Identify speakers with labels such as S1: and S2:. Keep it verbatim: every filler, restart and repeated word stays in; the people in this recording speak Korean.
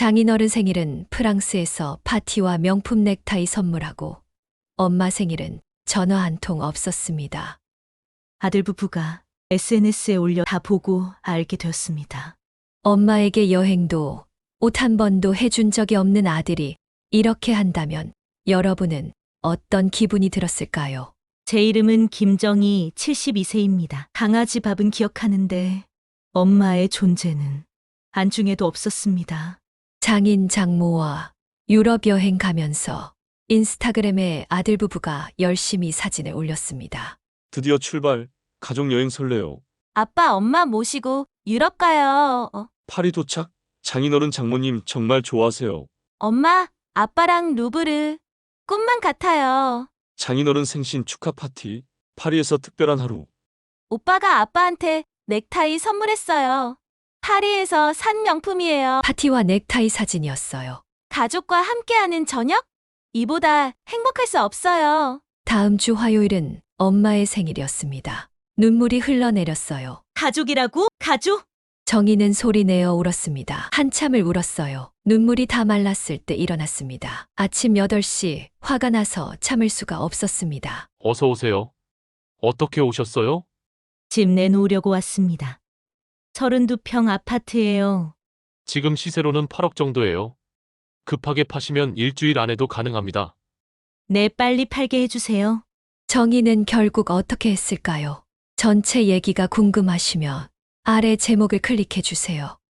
S1: 장인어른 생일은 프랑스에서 파티와 명품 넥타이 선물하고 엄마 생일은 전화 한 통 없었습니다.
S2: 아들 부부가 에스엔에스에 올려 다 보고 알게 되었습니다.
S1: 엄마에게 여행도 옷 한 번도 해준 적이 없는 아들이 이렇게 한다면 여러분은 어떤 기분이 들었을까요?
S2: 제 이름은 김정희 칠십이 세입니다. 강아지 밥은 기억하는데 엄마의 존재는 안중에도 없었습니다.
S1: 장인 장모와 유럽 여행 가면서 인스타그램에 아들 부부가 열심히 사진을 올렸습니다.
S3: 드디어 출발. 가족 여행 설레요.
S2: 아빠 엄마 모시고 유럽 가요. 어,
S3: 파리 도착. 장인어른 장모님 정말 좋아하세요.
S2: 엄마 아빠랑 루브르 꿈만 같아요.
S3: 장인어른 생신 축하 파티. 파리에서 특별한 하루.
S2: 오빠가 아빠한테 넥타이 선물했어요. 파리에서 산 명품이에요.
S1: 파티와 넥타이 사진이었어요.
S2: 가족과 함께하는 저녁? 이보다 행복할 수 없어요.
S1: 다음 주 화요일은 엄마의 생일이었습니다. 눈물이 흘러내렸어요.
S2: 가족이라고? 가족?
S1: 정희는 소리내어 울었습니다. 한참을 울었어요. 눈물이 다 말랐을 때 일어났습니다. 아침 여덟 시 화가 나서 참을 수가 없었습니다.
S4: 어서 오세요. 어떻게 오셨어요?
S2: 집 내놓으려고 왔습니다. 서른두 평 아파트예요.
S4: 지금 시세로는 팔억 정도예요. 급하게 파시면 일주일 안에도 가능합니다.
S2: 네, 빨리 팔게 해주세요.
S1: 정희는 결국 어떻게 했을까요? 전체 얘기가 궁금하시면 아래 제목을 클릭해 주세요.